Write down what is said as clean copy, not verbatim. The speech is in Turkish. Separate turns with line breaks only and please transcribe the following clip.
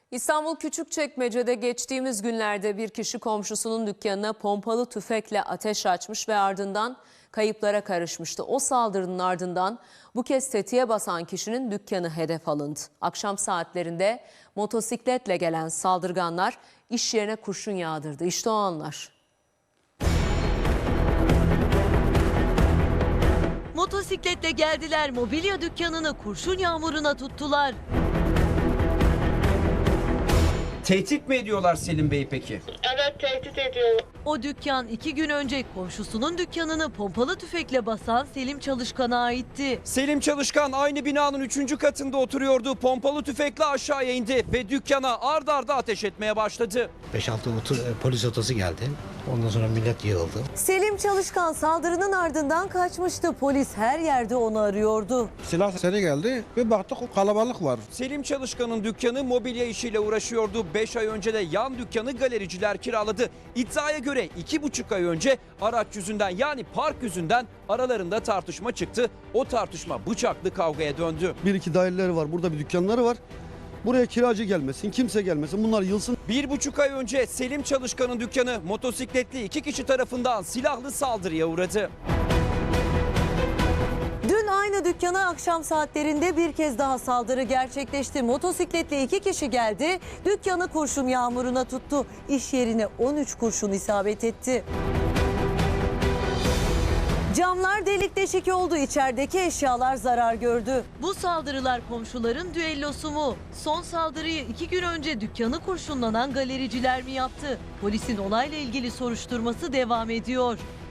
İstanbul Küçükçekmece'de geçtiğimiz günlerde bir kişi komşusunun dükkanına pompalı tüfekle ateş açmış ve ardından kayıplara karışmıştı. O saldırının ardından bu kez tetiğe basan kişinin dükkanı hedef alındı. Akşam saatlerinde motosikletle gelen saldırganlar iş yerine kurşun yağdırdı. İşte o anlar.
Motosikletle geldiler, mobilya dükkanını kurşun yağmuruna tuttular.
Tehdit mi ediyorlar Selim Bey peki?
Evet, tehdit ediyor.
O dükkan 2 gün önce komşusunun dükkanını pompalı tüfekle basan Selim Çalışkan'a aitti.
Selim Çalışkan aynı binanın 3. katında oturuyordu. Pompalı tüfekle aşağıya indi ve dükkana ard arda ateş etmeye başladı.
5-6 polis otosu geldi. Ondan sonra millet yığıldı.
Selim Çalışkan saldırının ardından kaçmıştı. Polis her yerde onu arıyordu.
Silah seri geldi ve baktık kalabalık var.
Selim Çalışkan'ın dükkanı mobilya işiyle uğraşıyordu. 5 ay önce de yan dükkanı galericiler kiraladı. İddiaya göre 2,5 ay önce araç yüzünden yani park yüzünden aralarında tartışma çıktı. O tartışma bıçaklı kavgaya döndü.
Bir iki daireleri var, burada bir dükkanları var. Buraya kiracı gelmesin, kimse gelmesin, bunlar yılsın.
1,5 ay önce Selim Çalışkan'ın dükkanı motosikletli 2 kişi tarafından silahlı saldırıya uğradı.
Dün aynı dükkana akşam saatlerinde bir kez daha saldırı gerçekleşti. Motosikletle 2 kişi geldi, dükkanı kurşun yağmuruna tuttu. İş yerine 13 kurşun isabet etti. Camlar delik deşik oldu, içerideki eşyalar zarar gördü. Bu saldırılar komşuların düellosu mu? Son saldırıyı 2 gün önce dükkanı kurşunlanan galericiler mi yaptı? Polisin olayla ilgili soruşturması devam ediyor.